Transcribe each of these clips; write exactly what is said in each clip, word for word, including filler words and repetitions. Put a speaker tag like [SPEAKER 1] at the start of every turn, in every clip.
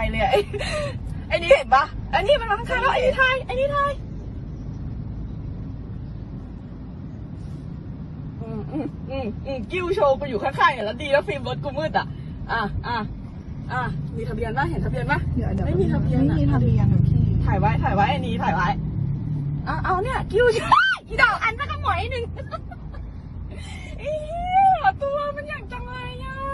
[SPEAKER 1] เลยไอ้ไอ้นี่เห็นปะไอ้นี่มันมาข้างๆแล้วไอ้นี่ไทยไอ้นี่ไทยอืมอืมอืมอืมกิ้วโชว์กูอยู่ข้างๆอย่างแล้วดีแล้วฟิล์มรถกูมืดอ่ะอ่ะอ่ะอ่ะมีทะเบียนปะเห็นทะเบียนปะไม่มีทะเบียน
[SPEAKER 2] ไม่มีทะเบียนพี่
[SPEAKER 1] ถ่ายไว้ถ่ายไว้ไอ้นี่ถ่ายไว้อ่ะเอาเนี่ยกิ้วอีดอกอันสักหน่อยหนึ่งเอ๊ะตัวมันอย่างจังเลยอ่ะ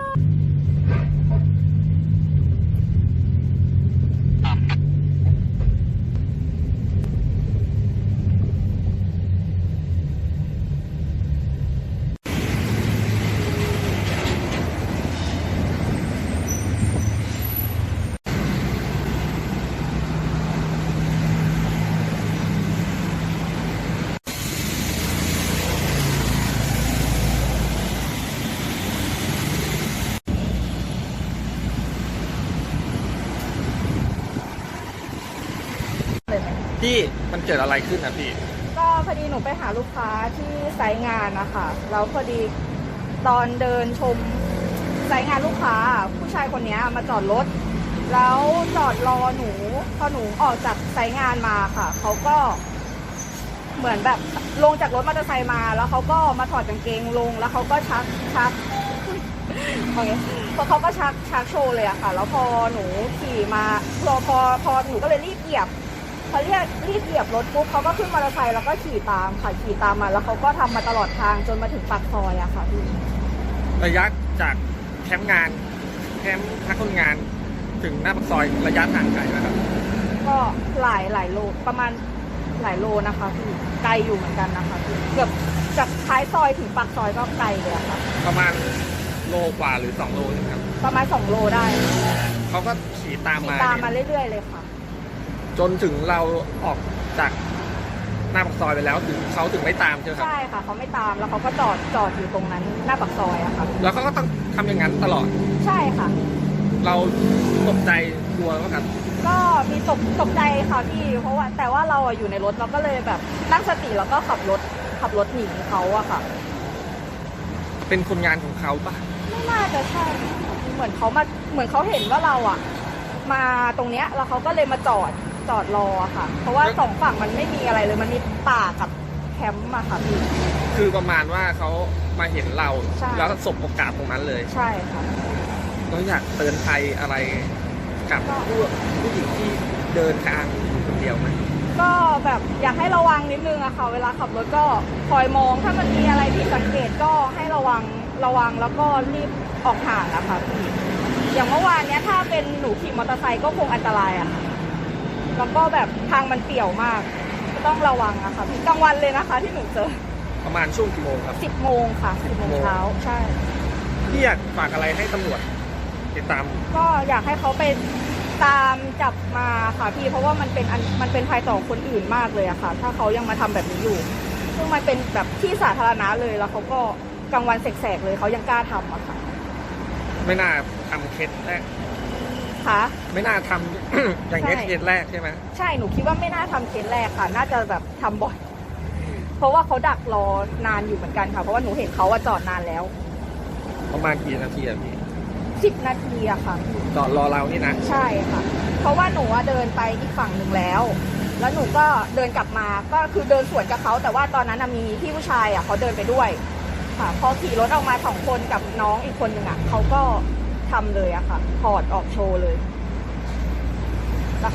[SPEAKER 3] พี่มันเกิดอะไรขึ้นนะพี่
[SPEAKER 2] ก็พอดีหนูไปหาลูกค้าที่ไซต์งานนะคะแล้วพอดีตอนเดินชมไซต์งานลูกค้าผู้ชายคนนี้มาจอดรถแล้วจอดรอหนูพอหนูออกจากไซต์งานมาค่ะเขาก็เหมือนแบบลงจากรถมอเตอร์ไซค์มาแล้วเขาก็มาถอดกางเกงลงแล้วเขาก็ชักชักโอเคพอเขาก็ชักชักโชว์เลยอะค่ะแล้วพอหนูขี่มาพอพอพอหนูก็เลยรีบเหยียบพอเรียกรีบเหยียบรถปุ๊บเขาก็ขึ้นมอเตอร์ไซค์แล้วก็ขี่ตามค่ะขี่ตามมาแล้วเขาก็ทำมาตลอดทางจนมาถึงปากซอยอะค่ะพี่
[SPEAKER 3] ระยะจากแคมป์งานแคมป์พักคนงานถึงหน้าปากซอยระยะทางไกลนะครับ
[SPEAKER 2] ก็หลายหลายโลประมาณหลายโลนะคะพี่ไกลอยู่เหมือนกันนะคะพี่เกือบจากท้ายซอยถึงปากซอยก็ไกลเลยค่ะ
[SPEAKER 3] ประมาณโลกว่าหรือสองโลนะครับ
[SPEAKER 2] ประมาณสองโลได้
[SPEAKER 3] เขาก็ขี่ตามมา
[SPEAKER 2] ตามมาเรื่อยๆเลยค่ะ
[SPEAKER 3] จนถึงเราออกจากหน้าปากซอยไปแล้วถึงเขาถึงไม่ตามใช่ไหมครับ
[SPEAKER 2] ใช่ค่ะเขาไม่ตามแล้วเขาก็จอดจอดอยู่ตรงนั้นหน้าปากซอยอะค่ะ
[SPEAKER 3] แล้วเขาก็ต้องทำอย่างนั้นตลอด
[SPEAKER 2] ใช่ค่ะ
[SPEAKER 3] เราตกใจกลัวไหมครับ
[SPEAKER 2] ก็มีตกตกใจค่ะพี่เพราะว่าแต่ว่าเราอยู่ในรถเราก็เลยแบบตั้งสติแล้วก็ขับรถขับรถหนีเขาอะค่ะ
[SPEAKER 3] เป็นคนงานของเขาปะ
[SPEAKER 2] ไม่น่าจะใช่เหมือนเขามาเหมือนเขาเห็นว่าเราอะมาตรงเนี้ยแล้วเขาก็เลยมาจอดจอดรอค่ะเพราะว่าสองฝั่งมันไม่มีอะไรเลยมันมีป่ากับแคมป์มาค่ะพี่
[SPEAKER 3] คือประมาณว่าเขามาเห็นเราแล้วสบโอกาสตรงนั้นเลย
[SPEAKER 2] ใช่ค่ะ
[SPEAKER 3] เราอยากเตือนภัยอะไรกับผู้ผู้หญิงที่เดินทางคนเดียวไหม
[SPEAKER 2] ก็แบบอยากให้ระวังนิดนึงอะค่ะเวลาขับรถก็คอยมองถ้ามันมีอะไรผิดสังเกตก็ให้ระวังระวังแล้วก็รีบออกห่างอะค่ะพี่อย่างเมื่อวานเนี้ยถ้าเป็นหนูขี่มอเตอร์ไซค์ก็คงอันตรายอะค่ะแล้วก็แบบทางมันเปี่ยวมากก็ต้องระวังอะค่ะพี่กลางวันเลยนะคะที่หนูเจอ
[SPEAKER 3] ประมาณช่วงกี่โมงครับ
[SPEAKER 2] สิบโมงค่ะสิบโมงเช้าใช่
[SPEAKER 3] พี่อยากฝากอะไรให้ตำรวจติดตาม
[SPEAKER 2] ก็อยากให้เขาไปตามจับมาค่ะพี่เพราะว่ามันเป็นมันเป็นภัยต่อคนอื่นมากเลยอะค่ะถ้าเขายังมาทำแบบนี้อยู่ซึ่งมันเป็นแบบที่สาธารณะเลยแล้วเขาก็กลางวันแสกๆเลยเขายังกล้าทำอะค่ะ
[SPEAKER 3] ไม่น่าทำเคสแรก
[SPEAKER 2] ค่ะ
[SPEAKER 3] ไม่น่าทำ อย่างนี้เคสแรกใช่ไหม
[SPEAKER 2] ใช่หนูคิดว่าไม่น่าทำเคสแรกค่ะน่าจะแบบทำบ่อยเพราะว่าเขาดักรอนานอยู่เหมือนกันค่ะเพราะว่าหนูเห็นเขาว่าจอดนานแล้ว
[SPEAKER 3] ประมาณกี่นาทีอะพี่
[SPEAKER 2] สิบนาทีอะค่ะ
[SPEAKER 3] จอดรอเรานี่นะ
[SPEAKER 2] ใช่ค่ะเพราะว่าหนูเดินไปอีกฝั่งหนึ่งแล้วแล้วหนูก็เดินกลับมาก็คือเดินสวนกับเขาแต่ว่าตอนนั้นมีพี่ผู้ชายอะเขาเดินไปด้วยค่ะพอขี่รถออกมาสองคนกับน้องอีกคนหนึ่งอะเขาก็ทำเลยอะค่ะถอดออกโชว์เลย